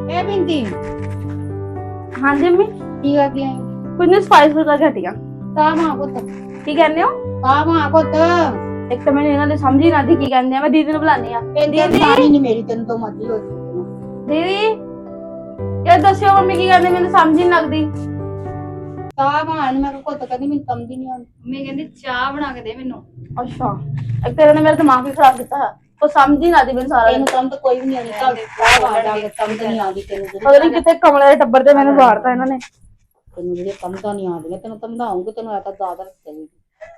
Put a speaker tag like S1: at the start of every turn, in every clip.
S1: ए बिंदी
S2: हाँ जी अम्मी
S1: की करती है
S2: कुछ नहीं स्पाइस करके हटिया
S1: काम आको तो
S2: की कहने हो
S1: काम आको तो
S2: एक तो मैंने इन्होंने समझी ना थी की कहने मैं दीदी ने बुलानी है
S1: तेरी सारी नहीं मेरी तेन तो मर्जी हो
S2: दीदी यार दसियो मम्मी की कहने मैंने समझ नहीं लगती
S1: काम आन मेरे को तो कभी मैं समझ नहीं आती
S2: मम्मी कहती चाह बना के दे मैनू अच्छा एक तेरे ने मेरा दिमाग भी खराब किया है तो समझ ही ना दी मैंने सारा
S1: तेन काम तो कोई भी नहीं आती चल काम आ जाके समझ नहीं आती तेन
S2: पता नहीं कितने कमले दे टब्बर ते मैंने बाहरता इन्होंने
S1: तेन जो समझ नहीं आती तेन समझाऊंगी तेन आता ज्यादा चलेगी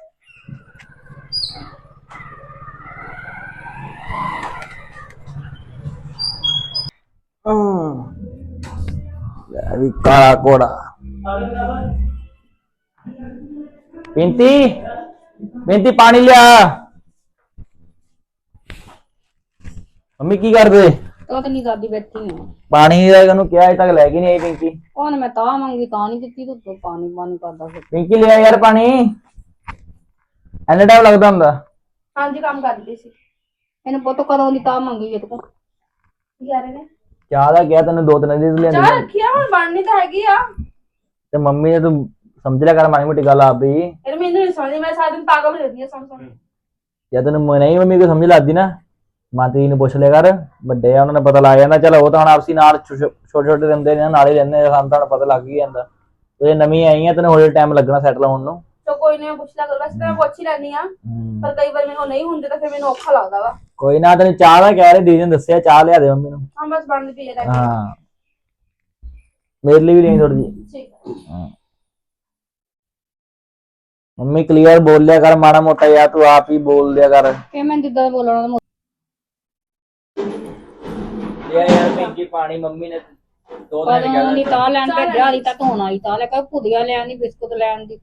S3: अभी काला कोड़ा पिंती पिंती पानी लिया मम्मी की कर दे
S1: तो नहीं दादी बैठी है
S3: पानी क्या अजे तक लैके नहीं आई पिंकी
S1: कौन मैं ता मंगी ता नहीं दिती तो पानी पानी करदा फिर
S3: पिंकी लिया यार पानी एने टाइम लगता हुंदा
S2: हाँ जी काम कर दी सी
S1: मैंने फोटो कदों दी ता मंगी है तो
S2: यार ने
S3: चाह दा क्या तेन दो तीन दिन लिया
S2: चाह रखी है हुन बननी तो हैगी आ
S3: ते मम्मी ने तू समझ लिया कर माड़ी मोटी गल आप भी
S2: यार मैंने नहीं समझी मैं सारा दिन पागल हो जाती है समझ
S3: या तेन नहीं मम्मी को समझ लगती ना माती ने पुछ लिया कर बड़े आ उन्होंने पता लग जाता चलो वो तो हम आपसी नाल छोटे छोटे रहिंदे ने नाल ही रहंदे सानू तां पता लग ही जांदा ते नवीं आई है तेन होले टाइम लगना सैटल होण नूं
S2: तो कोई नहीं पूछ लिया कर वैसे तो मैं पूछ ही लेनी आ पर कई बार मेरे को नहीं हुंदे तो फिर मैंने औखा लगदा वा
S3: कोई ना तेन चाह दा कह रहे दीदी ने दस्सिया चाह लिया दे मम्मी नूं
S2: हम बस बनदी पई है
S3: हाँ मेरे लिए भी नहीं थोड़ी जी
S2: ठीक
S3: मम्मी क्लियर बोल लिया कर माड़ा मोटा या तू आप ही बोल लिया कर
S1: के मैं जिद्दां बोलना
S3: यार पिंकी पानी मम्मी ने दो दिन
S1: कदों दी ता लैन भेजिया हाली तक होना आई ता लेकर भुदिया लैन दी बिस्कुट लैन दी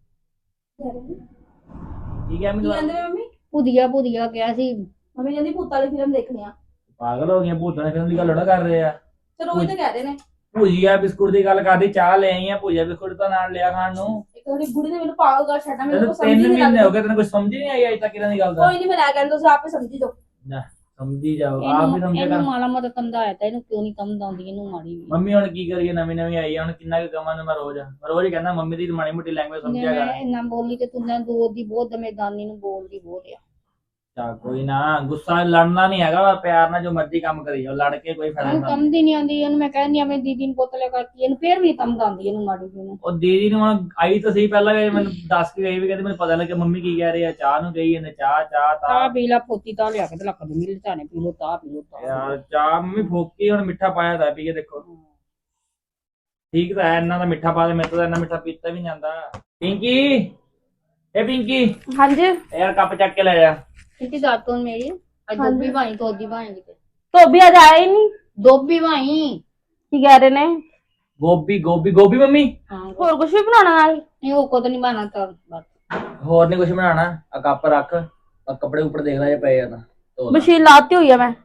S3: ठीक है
S2: की कहंदे मम्मी
S1: भुदिया भुदिया क्या सी
S2: मम्मी कहंदी भूत वाली फिल्म देखनी आ
S3: पागल हो गई भूतने फिल्म की गल लड़ा कर रहे हैं
S2: ਤੇ ਰੋਜ਼ ਤਾਂ ਕਹਿ ਰਹੇ ਨੇ
S3: ਭੁਜੀਆ ਬਿਸਕੁਟ ਦੀ ਗੱਲ ਕਰਦੀ ਚਾਹ ਲੈ ਆਈ ਆ ਭੁਜੀਆ ਬਿਸਕੁਟ ਤਾਂ ਨਾਲ ਲਿਆ ਖਾਣ ਨੂੰ
S2: ਇੱਕ ਵਾਰੀ ਬੁੜੀ ਨੇ ਮੈਨੂੰ ਪਾਗਲ ਕਰ ਛੱਡਾ ਮੈਨੂੰ
S3: ਤੈਨੂੰ
S2: ਕੁਝ ਸਮਝ ਹੀ
S3: 3
S2: ਨਹੀਂ
S3: ਮਹੀਨੇ ਹੋ
S2: ਲੱਗਦਾ
S3: ਗਏ ਤੈਨੂੰ ਕੁਝ ਸਮਝ ਹੀ ਨਹੀਂ ਆਈ ਅਜੇ ਤੱਕ ਇਹਨਾਂ ਦੀ ਗੱਲ ਦਾ
S2: ਕੋਈ ਨਹੀਂ ਮੈਂ ਲੈ ਕਹਿੰਦਾ ਤੁਸੀਂ ਆਪੇ ਸਮਝੀ ਜਾਓ
S3: ਨਾ ਸਮਝੀ ਜਾਓ ਆਪ ਵੀ ਸਮਝਿਆ
S1: ਇਹਨੂੰ
S3: ਕਰ
S1: ਮਾੜਾ ਮੋਟਾ ਸਮਝਾਇਆ ਤਾਂ ਇਹਨੂੰ ਕਿਉਂ ਨਹੀਂ ਸਮਝਾਉਂਦੀ ਇਹਨੂੰ ਮਾੜੀ ਵੀ
S3: ਮੰਮੀ ਹੁਣ ਕੀ ਕਰੀਏ ਨਵੀਂ ਨਵੀਂ ਆਈ ਆ ਹੁਣ ਕਿੰਨਾ ਕੁ ਕਮਾਂ ਮੈਂ ਰੋਜ਼ ਹੀ ਕਹਿੰਦਾ ਮੰਮੀ ਦੀ ਮਾੜੀ ਮੋਟੀ ਲੈਂਗੁਏਜ ਸਮਝਿਆ ਕਰ
S1: ਇੰਨਾ ਬੋਲੀ ਤੇ ਤੂੰ ਨਾ ਦੋ ਦੀ ਬਹੁਤ ਦਮੇਦਾਨੀ ਨੂੰ ਬੋਲਦੀ ਬਹੁਤ ਆ
S3: ਚਾ ਕੋਈ ਨਾ ਗੁੱਸਾ ਲੜਨਾ ਨਹੀਂ ਹੈਗਾ ਪਿਆਰ ਨਾਲ ਜੋ ਮਰਜ਼ੀ ਕੰਮ ਕਰੀ ਜਾਓ ਲੜ ਕੇ ਕੋਈ ਫਾਇਦਾ
S1: ਇਹਨੂੰ
S3: ਨਹੀਂ
S1: ਸਮਝ ਹੀ ਨਹੀਂ ਆਉਂਦੀ ਇਹਨੂੰ ਮੈਂ ਕਹਿੰਦੀ ਆਪਣੀ ਦੀਦੀ ਨੂੰ ਪੁੱਤ ਲੈ ਕਰਤੀ ਇਹਨੂੰ ਫੇਰ ਵੀ ਸਮਝਾਉਂਦੀ ਇਹਨੂੰ ਮਾੜੀ ਜੀ ਨੂੰ
S3: ਉਹ ਦੀਦੀ ਨੂੰ ਹੁਣ ਆਈ ਤਾਂ ਸਹੀ ਪਹਿਲਾਂ ਵੀ ਮੈਨੂੰ ਦੱਸ ਕੇ ਗਈ ਵੀ ਕਹਿੰਦੀ ਮੈਨੂੰ ਪਤਾ ਨਹੀਂ ਕਿ ਮੰਮੀ ਕੀ ਕਹਿ ਰਹੀ ਆ ਚਾਹ ਨੂੰ ਗਈ ਇਹਨੇ ਚਾਹ
S1: ਤਾਂ
S3: ਤਾਂ
S1: ਪੀ ਲਾ ਪੋਤੀ ਤਾਂ ਲਿਆ ਕੇ ਤੇ ਲੱਕ ਦੀ ਮਿਲ ਚਾਣੇ ਪੀ ਲੋ ਤਾਂ ਪੀ ਲੋ ਤਾਂ
S3: ਯਾਰ ਚਾਹ ਮੰਮੀ ਫੋਕੀ ਹੁਣ ਮਿੱਠਾ ਪਾਇਆ ਤਾਂ ਪੀ ਕੇ ਦੇਖੋ ਠੀਕ ਤਾਂ ਹੈ ਇਹਨਾਂ ਦਾ ਮਿੱਠਾ ਪਾ ਦੇ ਮੇਰੇ ਤੋਂ ਤਾਂ ਇੰਨਾ ਮਿੱਠਾ ਪੀਤਾ ਵੀ ਨਹੀਂ ਜਾਂਦਾ ਪਿੰਕੀ ਇਹ ਪਿੰਕੀ
S2: हाँ जी
S3: ਯਾਰ ਕੱਪ ਚੱਕ ਕੇ ਲੈ ਜਾ
S1: कितनी दात तो मेरी आज दोबी भाई तो दी भाई
S2: तो अभी आज आया ही नहीं
S1: दोबी भाई
S2: की कह रहे ने
S3: ਗੋਭੀ ਗੋਭੀ ਗੋਭੀ ਮੰਮੀ
S1: हाँ
S2: और कुछ भी बनाना नाल
S1: नहीं वो को तो नहीं बना था बस
S3: ਹੋਰ ਨਹੀਂ ਕੁਝ ਬਣਾਉਣਾ ਆ ਕੱਪ ਰੱਖ ਆ ਕੱਪੜੇ ਉੱਪਰ ਦੇਖ ਲੈ ਜੇ ਪਏ ਆ ਤਾਂ ਧੋ ਲੈ।
S2: मशीन लाती हुई है मैं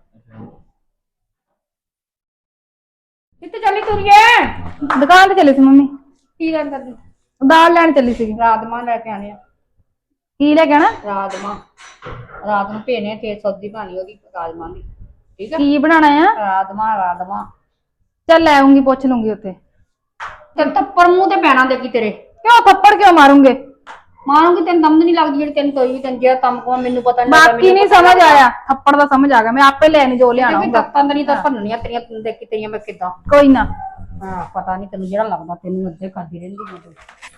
S1: कितने चली तुरिए
S2: दुकान पे चली थी मम्मी
S1: की कर करदी
S2: दाल लैन चली थी
S1: राजमा लेके आने
S2: की लेके आना
S1: राजमा रात ਨੂੰ ਭੇਨੇ ਤੇ ਸਬਜ਼ੀ ਬਣਾਣੀ ਉਹਦੀ ਰਾਜਮਾ ਦੀ ਠੀਕ ਹੈ
S2: की बनाना है
S1: ਰਾਜਮਾ
S2: चल ले आऊंगी पूछ लूंगी उत्ते
S1: ਤੇ ਥੱਪੜ ਮੂੰਹ ਤੇ ਪੈਣਾ ਦੇਖੀ ਤੇਰੇ
S2: क्यों थप्पड़ क्यों मारूंगे
S1: ਮਾਰੂੰਗੀ ਤੈਨੂੰ ਦਮ ਨਹੀਂ ਲੱਗਦੀ ਜਿਹੜੀ ਤੈਨੂੰ ਕੋਈ ਵੀ ਤੈਨੂੰ ਜਿਹੜਾ ਕੰਮ ਕੋ ਮੈਨੂੰ ਪਤਾ ਨਹੀਂ
S2: बाकी नहीं समझ आया थप्पड़ दा समझ आ गया मैं आपे लेनी जो ले आना
S1: ਵੀ ਤੱਤਾਂ ਨਹੀਂ ਤਾਂ ਭੰਨਣੀਆਂ ਤੇਰੀਆਂ ਤੈਨੂੰ ਦੇਖੀ ਤੇਰੀਆਂ ਮੈਂ ਕਿਦਾਂ
S2: कोई ना
S1: ਹਾਂ ਪਤਾ ਨਹੀਂ ਤੈਨੂੰ ਜਿਹੜਾ ਲੱਗਦਾ ਤੈਨੂੰ ਅੱਧੇ ਕਰਦੀ ਰਹਿੰਦੀ ਮੈਂ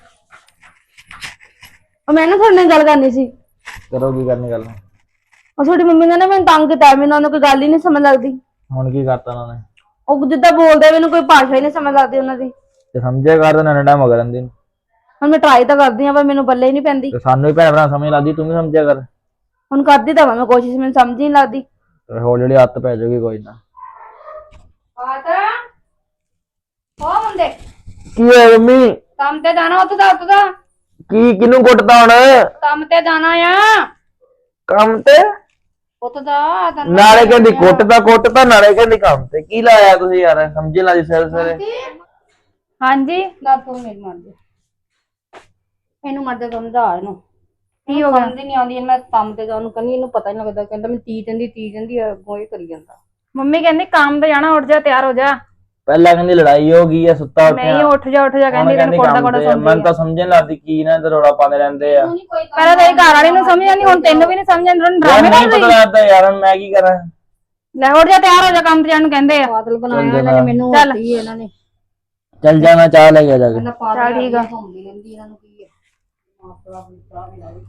S2: और मैंने थोड़े नाल गल करनी सी
S3: ਕਰੋ ਕੀ ਕਰਨੀ ਗੱਲ
S2: और थोड़ी मम्मी ने ना मैंने तंग किया मैंने उन्होंने कोई गल ही नहीं समझ लगती
S3: ਹੁਣ ਕੀ ਕਰਤਾ ਉਹਨਾਂ ਨੇ
S2: ਉਹ ਜਿੱਦਾਂ ਬੋਲਦੇ ਮੈਨੂੰ ਕੋਈ ਭਾਸ਼ਾ ਹੀ ਨਹੀਂ ਸਮਝ ਲੱਗਦੀ ਉਹਨਾਂ ਦੀ
S3: ਤੇ ਸਮਝਿਆ ਕਰ ਤਾਂ ਨਾ ਟਾਈਮ ਹੋ ਗਿਆ ਰਹਿੰਦੀ ਨੂੰ
S2: ਹੁਣ ਮੈਂ ਟਰਾਈ ਤਾਂ ਕਰਦੀ ਆ ਪਰ ਮੈਨੂੰ ਬੱਲੇ ਹੀ ਨਹੀਂ ਪੈਂਦੀ
S3: ਤੇ ਸਾਨੂੰ ਵੀ ਭੈਣ ਭਰਾ ਸਮਝ ਲੱਗਦੀ ਤੂੰ ਵੀ ਸਮਝਿਆ ਕਰ
S2: ਹੁਣ ਕਰਦੀ ਤਾਂ ਮੈਂ ਕੋਸ਼ਿਸ਼ ਮੈਨੂੰ ਸਮਝ ਹੀ ਨਹੀਂ ਲੱਗਦੀ
S3: ਤੇ ਹੌਲੀ ਹੌਲੀ ਹੱਥ ਪੈ ਜਾਊਗੀ ਕੋਈ ਨਾ
S1: ਆਤਾ ਹੋ ਮੁੰਡੇ
S3: ਕੀ ਹੈ ਮੰਮੀ
S1: ਕੰਮ ਤੇ ਜਾਣਾ ਉੱਥੇ ਦਾ
S3: ਕੀ ਕਿਨੂੰ ਕੁੱਟਦਾ ਹੁਣ
S1: ਕੰਮ ਤੇ ਜਾਣਾ ਆ
S3: ਕੰਮ ਤੇ
S1: ਉੱਥੇ ਦਾ
S3: ਨਾਲੇ ਕਹਿੰਦੀ ਕੁੱਟਦਾ ਨਾਲੇ ਕਹਿੰਦੀ ਕੰਮ ਤੇ ਕੀ ਲਾਇਆ ਤੁਸੀਂ ਯਾਰ ਸਮਝ ਲਾ ਜੀ ਸਵੇਰੇ
S2: ਹਾਂਜੀ
S1: ਨਾ ਤੂੰ ਮੇਰੀ ਮਰ ਜਾ ਇਹਨੂੰ ਮਰ ਜਾ ਸਮਝਾ ਇਹਨੂੰ
S2: ਕੀ ਹੋ ਗਿਆ
S1: ਸਮਝ ਨਹੀਂ ਆਉਂਦੀ ਮੈਂ ਕੰਮ ਤੇ ਜਾਣ ਨੂੰ ਕਹਿੰਦੀ ਇਹਨੂੰ ਪਤਾ ਹੀ ਨਹੀਂ ਲੱਗਦਾ ਕਹਿੰਦਾ ਮੈਂ ਤੀ ਜਾਂਦੀ ਅੱਗੋਂ ਇਹ ਕਰੀ ਜਾਂਦਾ
S2: ਮੰਮੀ ਕਹਿੰਦੀ ਕੰਮ ਤੇ ਜਾਣਾ ਉੱਠ ਜਾ ਤਿਆਰ ਹੋ ਜਾ
S3: ਪਹਿਲਾਂ ਕਹਿੰਦੀ ਲੜਾਈ ਹੋ ਗਈ ਆ, ਸੁੱਤਾ ਉੱਠਿਆ
S2: ਨਹੀਂ ਉੱਠ ਜਾ ਕਹਿੰਦੀ ਤੈਨੂੰ ਕੋਡਾ ਕੋਡਾ
S3: ਮੈਨੂੰ
S2: ਸੁਣਦੀ
S3: ਤਾਂ ਸਮਝਣ ਲੱਗਦੀ ਕੀ ਨਾ ਤੇ ਰੌਲਾ ਪਾਉਂਦੇ ਰਹਿੰਦੇ ਆ।
S2: ਪਹਿਲਾਂ ਤੇਰੀ ਘਰ ਵਾਲੀ ਨੂੰ ਸਮਝ ਆਉਂਦੀ, ਹੁਣ ਤੈਨੂੰ ਵੀ ਨਹੀਂ ਸਮਝ ਆਉਂਦੀ, ਹੁਣ
S3: ਯਾਰ
S2: ਡਰਾਮੇ
S3: ਨਹੀਂ
S2: ਕਰ
S3: ਪਤਾ
S2: ਰਹੀ।
S3: ਲੱਗਦਾ ਯਾਰ, ਹੁਣ ਮੈਂ ਕੀ ਕਰਾਂ।
S2: ਲੈ ਉੱਠ ਜਾ, ਤਿਆਰ ਹੋ ਜਾ, ਕੰਮ ਤੇ ਜਾਣ ਨੂੰ ਕਹਿੰਦੇ ਆ।
S1: ਪਾਗਲ ਬਣਾਇਆ ਇਹਨਾਂ ਨੇ ਮੈਨੂੰ,
S2: ਚੱਲ।
S1: ਹੋਤੀ ਇਹਨਾਂ ਨੇ।
S3: ਚੱਲ ਜਾ, ਮੈਂ ਚਾਹ ਲੈ ਕੇ ਜਾ ਕੇ।
S1: ਕਹਿੰਦਾ ਪਾਗਲ
S2: ਚੱਲ ਠੀਕ ਆ।
S1: ਘੁੰਮਦੀ ਰਹਿੰਦੀ, ਇਹਨਾਂ ਨੂੰ ਕੀ ਹੈ। ਮਾਪੜਾ ਆਪਣੀ ਚਾਹ ਵੀ ਲਾਈ।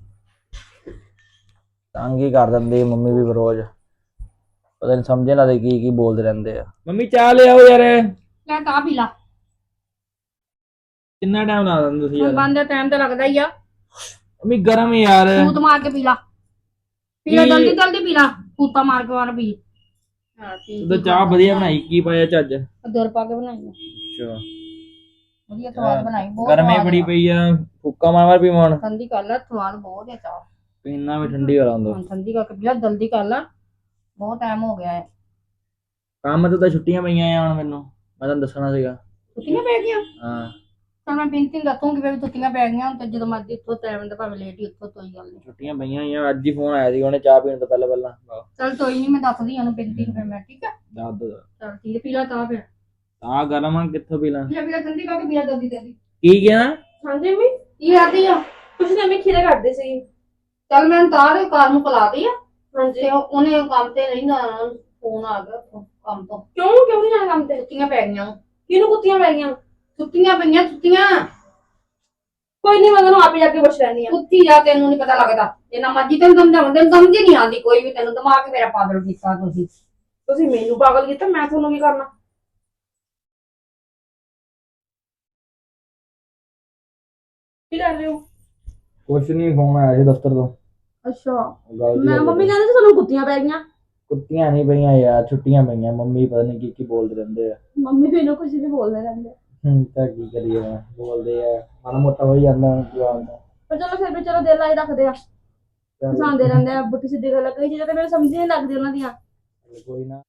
S3: ਤੰਗ ਹੀ ਕਰ ਦਿੰਦੀ ਮੰਮੀ ਵੀ ਰੋਜ਼, ਪਤਾ ਨਹੀਂ ਸਮਝੇ ਨਾ ਦੇ ਕੀ ਬੋਲਦੇ ਰਹਿੰਦੇ ਆ। ਮੰਮੀ ਚਾਹ ਲੈ ਆਓ ਯਾਰ।
S1: ਲੈ ਤਾਂ ਪੀ ਲਾ।
S3: ਕਿੰਨਾ ਟਾਈਮ ਲਾ ਦਿੰਦੇ ਤੁਸੀਂ
S1: ਹੁਣ
S3: ਯਾਰ।
S1: ਬੰਦ ਦਾ ਟਾਈਮ ਤਾਂ ਲੱਗਦਾ ਹੀ ਆ।
S3: ਮੰਮੀ ਗਰਮ ਯਾਰ।
S1: ਫੂਤ ਮਾਰ ਕੇ ਪੀ ਲਾ, ਪੀ ਲਾ ਜਲਦੀ ਜਲਦੀ ਪੀ ਲਾ, ਫੂਤਾ ਮਾਰ ਕੇ ਵਾਰ ਪੀ। ਹਾਂ ਪੀ।
S3: ਤੂੰ ਤਾਂ ਚਾਹ ਵਧੀਆ ਬਣਾਈ, ਕੀ ਪਾਇਆ ਚੱਜ?
S1: ਦੁਰ ਪਾ ਕੇ ਬਣਾਈ ਆ।
S3: ਅੱਛਾ
S1: ਵਧੀਆ ਸਵਾਦ ਬਣਾਈ, ਬਹੁਤ
S3: ਗਰਮੀ
S1: ਸਵਾਦ
S3: ਬੜੀ
S1: ਆ।
S3: ਪਈ ਆ, ਫੁੱਕਾ ਮਾਰ ਪੀ ਮਣ
S1: ਠੰਡੀ ਕਰ ਲਾ, ਸਵਾਦ ਬਹੁਤ ਹੈ ਚਾਹ।
S3: ਪੀਣਾ ਵੀ ਠੰਡੀ ਹੋ ਲਾਂਦੋ।
S1: ਹੁਣ ਠੰਡੀ ਕਰਕੇ ਪੀ ਲਾ, ਜਲਦੀ ਕਰ ਲਾ, ਬਹੁਤ ਟਾਈਮ ਹੋ ਗਿਆ ਹੈ।
S3: ਕੰਮ ਤੋਂ ਤਾਂ ਛੁੱਟੀਆਂ ਪਈਆਂ ਆ ਹੁਣ ਮੈਨੂੰ, ਮੈਂ ਤੁਹਾਨੂੰ ਦੱਸਣਾ ਸੀਗਾ।
S1: ਛੁੱਟੀਆਂ ਪੈ ਗਈਆਂ?
S3: ਹਾਂ
S1: ਤਾਂ ਮੈਂ ਬਿੰਤੀ ਦੱਸੂਗੀ ਵੀ ਛੁੱਟੀਆਂ ਪੈ ਗਈਆਂ, ਹੁਣ ਤੇ ਜਦੋਂ ਮਰਜ਼ੀ ਇੱਥੋਂ ਟਾਈਮ ਦਾ ਭਾਵੇਂ ਲੇਟ ਹੀ ਉੱਥੋਂ ਕੋਈ ਗੱਲ ਨਹੀਂ।
S3: ਛੁੱਟੀਆਂ ਪਈਆਂ ਆ, ਅੱਜ ਹੀ ਫੋਨ ਆਇਆ ਸੀ ਉਹਨੇ ਚਾਹ ਪੀਣ ਤੋਂ ਪਹਿਲਾਂ।
S1: ਚਲ ਕੋਈ ਨਹੀਂ, ਮੈਂ ਦੱਸਦੀ ਉਹਨੂੰ ਬਿੰਤੀ ਨੂੰ ਫਿਰ ਮੈਂ, ਠੀਕ ਹੈ?
S3: ਦੱਸ ਦੋ
S1: ਚਲ ਠੀਕ ਹੈ, ਪੀ ਲਾ ਤਾਂ ਫਿਰ।
S3: ਆ ਗਰਮ ਆ, ਕਿੱਥੋਂ ਪੀ ਲਾਂ?
S1: ਪੀ ਲਾ ਠੰਡੀ ਕਰਕੇ ਪੀ ਲਾ ਜਲਦੀ ਜਲਦੀ।
S3: ਕੀ ਕਿਹਾ?
S2: ਹਾਂਜੀ ਮੰਮੀ,
S1: ਕੀ ਕਰਦੀ ਆ?
S2: ਕੁਛ ਨਹੀਂ, ਮੈਂ ਖੀਰੇ ਕੱਢਦੇ ਸੀ।
S1: ਚੱਲ ਮੈਂ ਤਾਰ ਕਾਰ ਨੂੰ ਪਲਾ ਦੀ ਆ,
S2: ਹਾਂਜੀ।
S1: ਤੇ ਉਹਨੇ ਕੰਮ ਤੇ ਰਹਿੰਦਾ, ਫੋਨ ਆ ਗਿਆ ਉੱਥੋਂ ਕੰਮ ਤੋਂ।
S2: ਕਿਉਂ ਨਹੀਂ ਜਾਣਾ ਕੰਮ ਤੇ?
S1: ਛੁੱਟੀਆਂ ਪੈ ਗਈਆਂ,
S2: ਕਿਹਨੂੰ ਕੁੱਤੀਆਂ ਪੈ ਗਈਆਂ?
S1: ਛੁੱਟੀਆਂ ਪਈਆਂ, ਛੁੱਟੀਆਂ।
S2: ਕੋਈ ਨਹੀਂ, ਮੈਂ ਤੁਹਾਨੂੰ ਆਪੇ ਜਾ ਕੇ ਪੁੱਛ ਲੈਣੀ ਆ।
S1: ਕੁੱਤੀ ਜਾ, ਤੈਨੂੰ ਨਹੀਂ ਪਤਾ ਲੱਗਦਾ। ਜਿੰਨਾ ਮਰਜ਼ੀ ਤੈਨੂੰ ਸਮਝਾਵਾਂ, ਤੈਨੂੰ ਸਮਝ ਹੀ ਨਹੀਂ ਆਉਂਦੀ ਕੋਈ ਵੀ। ਤੈਨੂੰ ਦਿਮਾਗ ਮੇਰਾ ਪਾਗਲ ਕੀਤਾ ਤੁਸੀਂ।
S2: ਤੁਸੀਂ ਮੈਨੂੰ ਪਾਗਲ ਕੀਤਾ, ਮੈਂ ਤੁਹਾਨੂੰ ਕੀ ਕਰਨਾ? ਕੀ ਕਰ ਰਹੇ ਹੋ?
S3: ਕੁਛ ਨਹੀਂ, ਫੋਨ ਆਇਆ ਸੀ ਦਫ਼ਤਰ ਤੋਂ।
S2: ਅੱਛਾ,
S3: ਗੱਲ
S2: ਮੈਂ ਮੰਮੀ ਕਹਿੰਦੇ ਸੀ ਤੁਹਾਨੂੰ ਕੁੱਤੀਆਂ ਪੈ ਗਈਆਂ।
S3: ਕੁੱਤੀਆਂ ਨਹੀਂ ਪਈਆਂ ਯਾਰ, ਛੁੱਟੀਆਂ ਪਈਆਂ। ਮੰਮੀ ਪਤਾ ਨਹੀਂ ਕੀ ਬੋਲਦੇ ਰਹਿੰਦੇ ਆ।
S2: ਮੰਮੀ ਮੈਨੂੰ ਕੁਝ ਵੀ ਬੋਲਦੇ ਰਹਿੰਦੇ।
S3: ਤਾਂ ਕੀ ਕਰੀਏ, ਬੋਲਦੇ ਆ, ਮਾੜਾ ਮੋਟਾ ਹੋ ਹੀ ਜਾਂਦਾ ਜਵਾਨ ਦਾ।
S2: ਪਰ ਚਲੋ ਫਿਰ ਵੀ ਚਲੋ ਦਿਲ ਲਾਈ ਰੱਖਦੇ ਆ, ਹਸਾਉਂਦੇ ਰਹਿੰਦੇ ਆ, ਪੁੱਠੀ ਸਿੱਧੀ ਗੱਲ। ਕਈ ਚੀਜ਼ਾਂ ਤੇ ਮੈਨੂੰ ਸਮਝ ਨਹੀਂ ਲੱਗਦੀ ਉਹਨਾਂ ਦੀਆਂ।
S3: ਕੋਈ ਨਾ।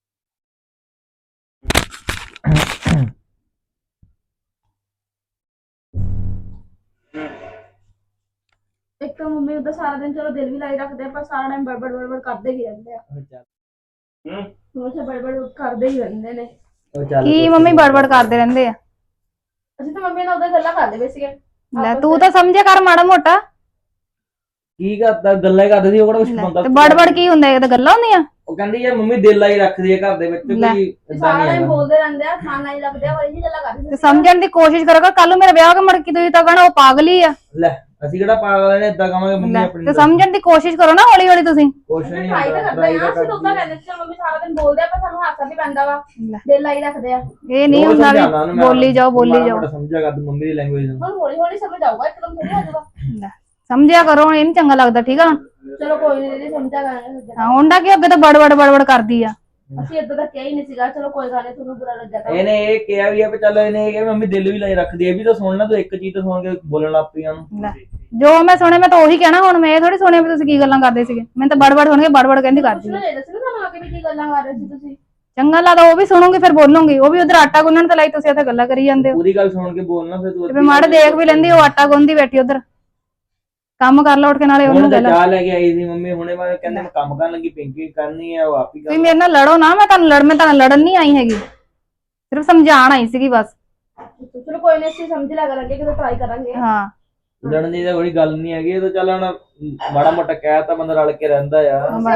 S2: ਇੱਕ ਤਾਂ ਮੰਮੀ ਉਹਦਾ ਸਾਰਾ ਦਿਨ ਚਲੋ ਦਿਲ ਵੀ ਲਾਈ ਰੱਖਦੇ ਆ, ਪਰ ਸਾਰਾ ਟਾਈਮ ਬੜਬੜ ਕਰਦੇ ਹੀ ਰਹਿੰਦੇ ਆ। ਹਮੇਸ਼ਾ ਬੜਬੜ ਕਰਦੇ ਹੀ ਰਹਿੰਦੇ ਨੇ।
S3: ਕੀ
S2: ਮੰਮੀ ਬੜਬੜ ਕਰਦੇ ਰਹਿੰਦੇ ਆ? ਅਸੀਂ ਤਾਂ ਮੰਮੀ ਨਾਲ ਉਹਦੇ ਗੱਲਾਂ ਕਰਦੇ ਪਏ ਸੀਗੇ। ਲੈ ਤੂੰ ਤਾਂ ਸਮਝਿਆ ਕਰ ਮਾੜਾ ਮੋਟਾ।
S3: ਕੀ ਕਰਦਾ, ਗੱਲਾਂ ਹੀ ਕਰਦੇ ਸੀ, ਉਹ ਕਿਹੜਾ ਕੁਝ ਬੰਦਾ।
S2: ਤੇ ਬੜਬੜ ਕੀ ਹੁੰਦਾ? ਇਹ ਤਾਂ ਗੱਲਾਂ ਹੁੰਦੀਆਂ।
S3: ਉਹ ਕਹਿੰਦੀ ਯਾਰ ਮੰਮੀ ਦਿਲ ਲਾਈ ਰੱਖਦੀ ਹੈ ਘਰ ਦੇ ਵਿੱਚ, ਕੋਈ ਏਦਾਂ
S2: ਸਾਰਾ
S3: ਨਹੀਂ
S2: ਟਾਈਮ
S3: ਹੈਗਾ।
S2: ਬੋਲਦੇ ਰਹਿੰਦੇ ਆ, ਖਾਣ ਨਾਲ ਹੀ ਲੱਗਦੇ ਆ, ਉਹੀ ਗੱਲਾਂ ਕਰਦੇ ਤੇ ਸਮਝਣ ਦੀ ਕੋਸ਼ਿਸ਼ ਕਰੋ। ਕੱਲ ਨੂੰ ਮੇਰਾ ਵਿਆਹ ਹੋ ਕੇ ਮੁੜ ਕੇ ਤੁਸੀਂ ਤਾਂ ਕਹਣਾ ਉਹ ਪਾਗਲ ਹੀ ਆ।
S3: ਲੈ ਅਸੀਂ ਕਿਹੜਾ ਪਾਗਲ ਨੇ, ਏਦਾਂ ਕਹਾਂਗੇ ਮੰਮੀ ਆਪਣੀ
S2: ਤੇ ਸਮਝਣ ਦੀ ਕੋਸ਼ਿਸ਼ ਕਰੋ ਨਾ ਹੌਲੀ ਹੌਲੀ ਤੁਸੀਂ।
S3: ਕੁਛ ਨਹੀਂ
S2: ਟਰਾਈ ਤਾਂ
S3: ਹੁੰਦਾ,
S2: ਕਰਦੇ ਆ, ਅਸੀਂ ਤਾਂ ਉਦਾਂ ਕਹਿੰਦੇ ਸੀ ਮੰਮੀ ਸਾਰਾ ਦਿਨ ਬੋਲਦੇ ਆ, ਪਰ ਸਾਨੂੰ ਹਾਸਾ ਵੀ ਪੈਂਦਾ ਵਾ, ਦਿਲ ਲਾਈ ਰੱਖਦੇ ਆ। ਇਹ ਨਹੀਂ ਹੁੰਦਾ ਵੀ ਬੋਲੀ ਜਾਓ ਬੋਲੀ ਜਾਓ।
S3: ਸਮਝਿਆ ਕਰ ਤੂੰ ਮੰਮੀ ਦੀ ਲੈਂਗੁਏਜ ਨੂੰ।
S2: ਹੁਣ ਹੌਲੀ ਹੌਲੀ ਸਮਝ ਆਊਗਾ, ਇੱਕਦਮ ਥੋੜੀ ਆ ਜਾਊਗਾ। ਸਮਝਿਆ ਕਰੋ, ਇਹ ਨਹੀਂ ਚੰਗਾ ਲੱਗਦਾ, ਠੀਕ ਆ? ਚਲੋ ਕੋਈ ਨਹੀਂ ਦੀਦੀ, ਸਮਝਿਆ ਕਰਾਂਗੇ। ਹਾਂ ਹੁੰਦਾ ਕਿ ਅੱਗੇ ਤਾਂ ਬੜਬੜ ਕਰਦੀ ਆ। ਅਸੀਂ ਏਦਾਂ ਦਾ ਕਿਹਾ ਹੀ ਨਹੀਂ ਸੀਗਾ। ਚਲੋ ਕੋਈ ਗੱਲ ਨਹੀਂ, ਤੁਹਾਨੂੰ ਬੁਰਾ ਲੱਗਿਆ ਤਾਂ।
S3: ਇਹਨੇ ਇਹ ਕਿਹਾ ਵੀ ਆ ਵੀ ਚੱਲ, ਇਹਨੇ ਇਹ ਕਿਹਾ ਮੰਮੀ ਦਿਲ ਵੀ ਲਾਈ ਰੱਖਦੀ ਹੈ, ਵੀ ਤਾਂ ਸੁਣ ਲੈ ਤੂੰ, ਇੱਕ ਚੀਜ਼ ਤਾਂ ਸੁਣ ਕੇ ਬੋਲਣ ਲੱਗ ਪਈ ਉਹਨੂੰ। ਜੋ ਮੈਂ ਸੁਣਿਆ ਮੈਂ ਤਾਂ ਉਹੀ ਕਹਿਣਾ। ਹੁਣ ਮੈਂ ਇਹ ਥੋੜੀ ਸੁਣਿਆ ਵੀ ਤੁਸੀਂ ਕੀ ਗੱਲਾਂ ਕਰਦੇ ਸੀਗੇ। ਮੈਨੂੰ ਤਾਂ ਬੜਬੜ ਸੁਣ ਕੇ ਬੜਬੜ ਕਹਿੰਦੀ ਕਰਦੀ। ਤੁਹਾਨੂੰ ਆ ਕੇ ਵੀ ਕੀ ਗੱਲਾਂ ਕਰ ਰਹੇ ਸੀ ਤੁਸੀਂ? ਚੰਗਾ ਲੱਗਦਾ, ਉਹ ਵੀ ਸੁਣੂਗੀ ਫਿਰ ਬੋਲੂਗੀ। ਉਹ ਵੀ ਉਧਰ ਆਟਾ ਗੁੰਨਣ ਤੇ ਲਾਈ, ਤੁਸੀਂ ਇੱਥੇ ਗੱਲਾਂ ਕਰੀ ਜਾਂਦੇ ਹੋ। ਪੂਰੀ ਗੱਲ ਸੁਣ ਕੇ ਬੋਲਣਾ ਫਿਰ ਤੂੰ।
S2: ਤੇ ਮਾੜੇ ਦੇਖ ਵੀ ਲੈਂਦੀ, ਉਹ ਆਟਾ ਗੁੰਨਦੀ ਬੈਠੀ ਉਧਰ। ਕੰਮ ਕਰ ਲਾ ਉੱਠ ਕੇ, ਨਾਲੇ ਉਹਨੂੰ
S3: ਹੁਣ ਚਾਹ ਲੈ ਕੇ ਆਈ ਸੀ ਮੰਮੀ, ਹੁਣੇ ਮੈਂ ਕਹਿੰਦੇ ਮੈਂ ਕੰਮ ਕਰਨ ਲੱਗੀ, ਪਿੰਕੀ ਕਰਨੀ ਆ, ਉਹ ਆਪ ਹੀ ਕਰ।
S2: ਤੁਸੀਂ ਮੇਰੇ ਨਾਲ ਲੜੋ ਨਾ, ਮੈਂ ਤੁਹਾਨੂੰ ਲੜਨ ਨਹੀਂ ਆਈ ਹੈਗੀ, ਸਿਰਫ ਸਮਝਾਉਣ ਆਈ ਸੀਗੀ ਬਸ। ਚਲੋ ਕੋਈ ਨਹੀਂ, ਅਸੀਂ ਸਮਝ ਲਿਆ ਕਰਾਂਗੇ, ਕਿਤੇ ਟਰਾਈ ਕਰਾਂਗੇ। ਹਾਂ,
S3: ਲੜਨ ਦੀ ਤਾਂ ਕੋਈ ਗੱਲ ਨਹੀਂ ਹੈਗੀ। ਇਹ ਤਾਂ ਚੱਲ ਹੁਣ ਮਾੜਾ ਮੋਟਾ ਕਹਿ ਤਾਂ ਬੰਦਾ ਰਲ ਕੇ ਰਹਿੰਦਾ ਆ।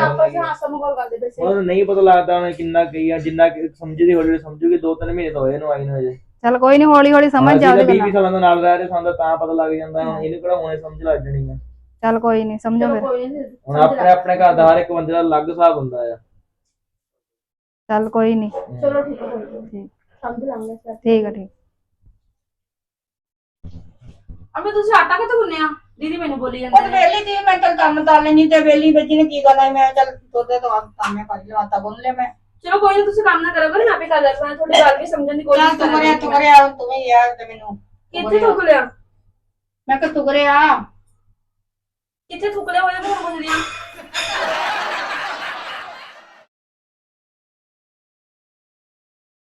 S3: ਉਹ ਨਹੀਂ ਪਤਾ ਲੱਗਦਾ ਉਹਨੇ ਕਿੰਨਾ ਕਹੀ ਆ, ਜਿੰਨਾ ਸਮਝਦੀ ਹੌਲੀ ਸਮਝੂਗੀ। 2-3 ਮਹੀਨੇ ਤਾਂ ਹੋਏ ਨੂੰ ਆਈ ਨੂੰ ਅਜੇ।
S2: ਚਲ ਕੋਈ ਨਹੀਂ, ਹੌਲੀ ਹੌਲੀ ਸਮਝ ਜਾਓਗੇ।
S3: 20 ਸਾਲਾਂ ਦਾ ਨਾਲ ਰਹਿ ਰਹੇ ਸਾਨੂੰ ਤਾਂ ਪਤਾ ਲੱਗ ਜਾਂਦਾ। ਹੁਣ ਇਹਨੂੰ ਕਿਹੜਾ ਹੁਣੇ ਸਮਝ ਲੱਗ ਜਣੀ ਆ।
S2: ਚਲ ਕੋਈ ਨਹੀਂ, ਸਮਝੋ ਫਿਰ।
S3: ਹੁਣ ਆਪਣੇ ਘਰ ਦਾ ਹਰ ਇੱਕ ਬੰਦੇ ਦਾ ਅਲੱਗ ਹਿਸਾਬ ਹੁੰਦਾ ਆ।
S2: ਚਲ ਕੋਈ ਨਹੀਂ, ਚਲੋ ਠੀਕ ਹੈ, ਠੀਕ ਸਮਝ ਲਾਂਗੇ। ਠੀਕ ਹੈ, ਠੀਕ। ਅਬੇ ਤੁਸੀਂ ਆਟਾ ਕਿੱਥੇ ਗੁੰਨਿਆ? ਦੀਦੀ ਮੈਨੂੰ ਬੋਲੀ ਜਾਂਦੇ
S1: ਉਹ ਵੇਲੀ ਦੀ ਮੈਂ ਚੱਲ ਕੰਮ ਕਰ ਲੈਣੀ, ਤੇ ਵੇਲੀ ਬੱਜੀ ਨੇ ਕੀ ਕਰਨਾ, ਮੈਂ ਚੱਲ ਤੋਦੇ ਤੋਂ ਕੰਮ ਕਰ ਲਿਆ, ਆਟਾ ਗੁੰਨ ਲਿਆ ਮੈਂ।
S2: ਚਲੋ ਕੋਈ ਨਹੀਂ, ਤੁਸੀਂ ਕੰਮ ਨਾ ਕਰੋ, ਮੈਂ ਆਪੇ ਕਰ ਲੈਂਦਾ। ਤੁਹਾਡੀ ਗੱਲ ਵੀ ਸਮਝਣ ਦੀ ਕੋਸ਼ਿਸ਼
S1: ਤੂੰ ਕਰਿਆ ਤੂੰ ਵੀ ਯਾਰ ਤੇ ਮੈਨੂੰ
S2: ਕਿੱਥੇ ਥੁੱਕ ਲਿਆ?
S1: ਮੈਂ ਕਿ ਤੂੰ ਕਰਿਆ
S2: ਕਿੱਥੇ ਥੁੱਕ ਲਿਆ ਹੋਇਆ? ਮੈਂ ਪੁੱਛਦੀ ਆ।